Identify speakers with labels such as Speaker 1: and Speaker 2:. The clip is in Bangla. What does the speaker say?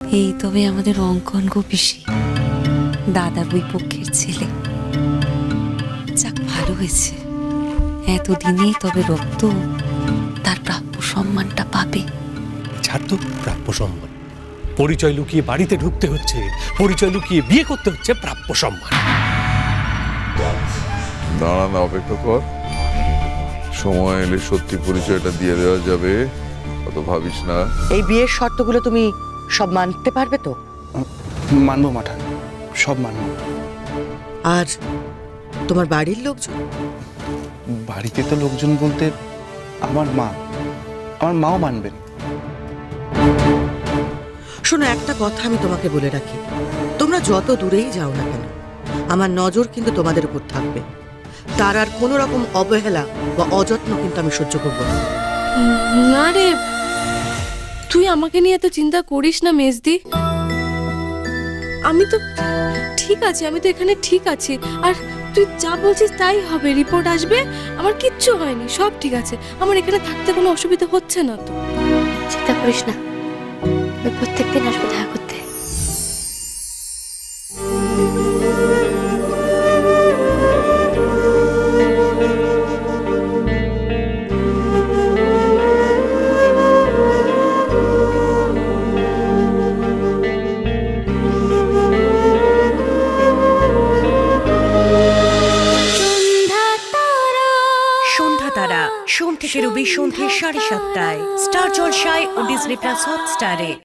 Speaker 1: এই তবে আমাদের অঙ্কন গোপিসি দাদার ওই পক্ষের ছেলে। যাক, ভালো হয়েছে, এতদিনে তবে রক্ত তার প্রাপ্য সম্মানটা পাবে।
Speaker 2: ছাড় তো প্রাপ্য সম্মান, পরিচয় লুকিয়ে বাড়িতে ঢুকতে হচ্ছে, পরিচয় লুকিয়ে বিয়ে করতে হচ্ছে, প্রাপ্য সম্মান।
Speaker 3: দাঁড়া না, অপেক্ষা কর, সময় এলে সত্যি পরিচয়টা দিয়ে দেওয়া যাবে, অত ভাবিস না।
Speaker 4: এই বিয়ের শর্তগুলো তুমি সব মানতে পারবে তো?
Speaker 5: মানবো মাঠান, সব মানবো।
Speaker 4: আর তোমার বাড়ির লোকজন?
Speaker 5: বাড়িতে তো লোকজন বলতে আমার মাও মানবেন।
Speaker 4: শোনো, একটা কথা আমি তোমাকে বলে রাখি, তোমরা যত দূরেই যাও না কেন, আমার নজর কিন্তু তোমাদের উপর থাকবে। তার আর কোনো রকম অবহেলা বা অযত্ন কিন্তু আমি সহ্য করবো না।
Speaker 6: না রে, তুই আমাকে নিয়ে এত চিন্তা করিস না মেজদি। আমি তো ঠিক আছি, আমি তো এখানে ঠিক আছি। আর তুই যা বলছিস তাই হবে, রিপোর্ট আসবে, আমার কিচ্ছু হয়নি, সব ঠিক আছে। আমার এখানে থাকতে কোনো অসুবিধা হচ্ছে না তো।
Speaker 7: চিন্তা করিস না, আমি প্রত্যেকদিন আসবো দেখা করতে।
Speaker 8: সন্ধ্যা তারা সোম থেকে রবি সন্ধ্যে 7:30টায় স্টার জলসায় ও ডিজনি প্লাস হটস্টারে।